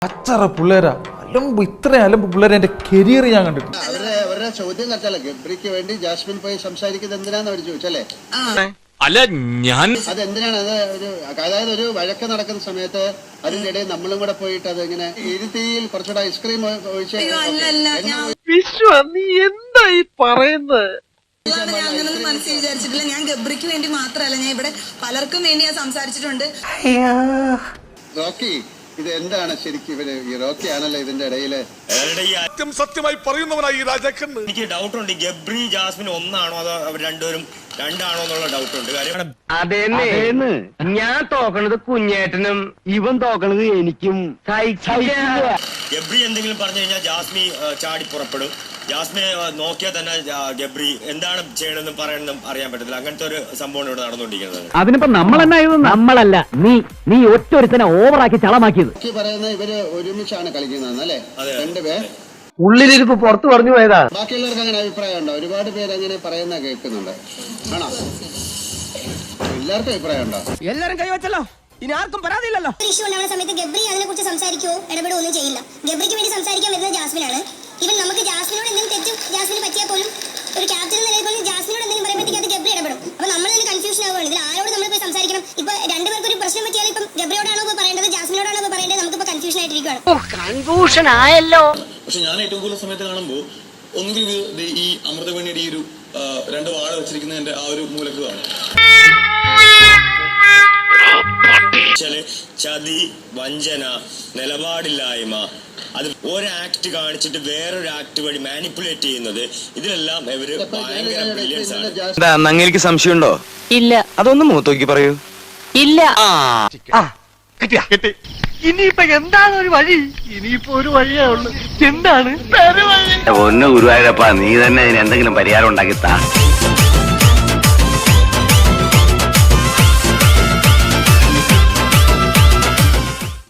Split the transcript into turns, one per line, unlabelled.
അച്ചറ പിള്ളേരാ അലമ്പ്, ഇത്രയും അലമ്പ് പിള്ളേരെ എന്റെ കരിയർ ഞാൻ കണ്ടിട്ടുണ്ട്.
അവരുടെ ചോദ്യം കത്തല്ല, ഗബ്രിക്ക് വേണ്ടി ജാസ്മിൻ പോയി സംസാരിക്കുന്നത് എന്തിനാന്ന് അവർ ചോദിച്ചല്ലേ?
അല്ല ഞാൻ
അതെന്തിനാണ് അത് അതായത് ഒരു വഴക്ക് നടക്കുന്ന സമയത്ത് അതിന്റെ ഇടയിൽ നമ്മളും കൂടെ പോയിട്ട് അത് ഇങ്ങനെ ഇരുത്തിയിൽ കുറച്ചുകൂടെ ഐസ്ക്രീം ഒഴിച്ച്
നീ എന്താ ഈ പറയുന്നത്?
ഞാനൊന്നും മനസ്സിൽ വിചാരിച്ചിട്ടില്ല. ഞാൻ ഗബ്രിക്ക് വേണ്ടി മാത്രമല്ല, ഞാൻ ഇവിടെ പലർക്കും വേണ്ടി ഞാൻ സംസാരിച്ചിട്ടുണ്ട്.
റോക്കി, ഇത് എന്താണ് ശരിക്കും ഇവര് ഈ റോക്കി ആണല്ലോ ഇതിന്റെ ഇടയില്
സത്യമായി പറയുന്നവനായി ഈ രാജാക്കൻ.
എനിക്ക് ഡൗട്ട് ഉണ്ട്, ഗബ്രി ജാസ്മിൻ ഒന്നാണോ അതോ അവർ രണ്ടുപേരും രണ്ടാണോ എന്നുള്ള ഡൗട്ട് ഉണ്ട്. കാര്യം
അതേന്ന് ഞാൻ തോക്കണത് കുഞ്ഞേട്ടനും ഇവൻ തോക്കണത് എനിക്കും.
ഗബ്രി എന്തെങ്കിലും പറഞ്ഞു കഴിഞ്ഞാൽ ജാസ്മി ചാടി പുറപ്പെടും. ജാസ്മിനെ നോക്കിയാൽ തന്നെ ഗബ്രി എന്താണ് ചെയ്യണമെന്നും പറയണമെന്നും അറിയാൻ പറ്റത്തില്ല. അങ്ങനത്തെ ഒരു സംഭവം ഇവിടെ നടന്നുകൊണ്ടിരിക്കുന്നത്.
അതിനിപ്പോ നമ്മളല്ല, നീ ഒറ്റൊരുത്തനെ ഓവറാക്കി ചളമാക്കിയത്.
റോക്കി പറയുന്നത് ഇവര് ഒരുമിച്ചാണ് കളിക്കുന്നതെന്ന് അല്ലേ? രണ്ടുപേർ
ഉള്ളിലിരിപ്പ് പുറത്തു പറഞ്ഞു പോയതാ.
ബാക്കിയുള്ളവർക്ക് അങ്ങനെ അഭിപ്രായം ഉണ്ടോ? ഒരുപാട് പേര് അങ്ങനെ പറയുന്ന കേൾക്കുന്നുണ്ട്. ആണോ? എല്ലാവർക്കും അഭിപ്രായം ഉണ്ടോ?
എല്ലാരും കൈവച്ചല്ലോ, ഇനി ആർക്കും പരാതിയില്ലല്ലോ.
ഇഷ്യൂ ഉണ്ടാവുന്ന സമയത്ത് ഗബ്രി അതിനെ കുറിച്ച് സംസാരിക്കുകയോ ഇടപെടുകയോ ഒന്നും ചെയ്യില്ല. ഗബ്രിക്ക് വേണ്ടി സംസാരിക്കാൻ വരുന്നത് ജാസ്മിനാണ്. ഇവൻ നമുക്ക് ജാസ്മിനോട് എന്തെങ്കിലും തെറ്റും ജാസ്മിന് പറ്റിയാൽ പോലും ഒരു ക്യാപ്റ്റൻ എന്ന നിലയിൽ പോലും ജാസ്മിനോട് എന്തെങ്കിലും പറയുമ്പോഴത്തേക്ക് അത് ഗബ്രി ഇടപെടും. അപ്പൊ നമ്മൾ തന്നെ കൺഫ്യൂഷൻ ആവുകയാണ്. ഇതിൽ ആരോട് നമ്മൾ പോയി സംസാരിക്കണം? ഇപ്പൊ രണ്ടുപേർക്ക് ഒരു പ്രശ്നം പറ്റിയാൽ ഇപ്പം ഗബ്രിയോടാണോ പോയി പറയേണ്ടത്, ജാസ്മിനോടാണോ പോയി പറയേണ്ടത്? നമുക്കിപ്പോ കൺഫ്യൂഷൻ ആയിട്ടിരിക്കുകയാണ്.
കൺഫ്യൂഷൻ ആയല്ലോ.
പക്ഷെ ഞാൻ ഏറ്റവും കൂടുതൽ സമയത്ത് കാണുമ്പോൾ ഒന്നുകിൽ ഈ അമൃതവേണിയുടെ ഈ ഒരു രണ്ട് വാഴ വെച്ചിരിക്കുന്നതിന്റെ ആ ഒരു മൂലക്ക് കാണും.
ചതി, വഞ്ചന, നിലപാടില്ലായ്മ, അത് ഒരു ആക്ട് കാണിച്ചിട്ട് വേറൊരു ആക്ട് വഴി മാനിപ്പുലേറ്റ് ചെയ്യുന്നത്, ഇതിലെല്ലാം ഇവര് ഭയങ്കര ബ്രില്യൻസ് ആണ്.
അങ്ങേക്ക് സംശയമുണ്ടോ?
ഇല്ല.
അതൊന്നും മുഖത്തോക്കി പറയൂ.
ഇല്ല.
ഇനിയിപ്പോ എന്താണ് ഒരു വഴി? ഇനിയിപ്പോ ഒരു വഴിയേ ഉള്ളൂ. എന്താണ്?
ഒന്ന് ഗുരുവായൂരപ്പ, നീ തന്നെ ഇതിന് എന്തെങ്കിലും പരിഹാരം ഉണ്ടാക്കി താ.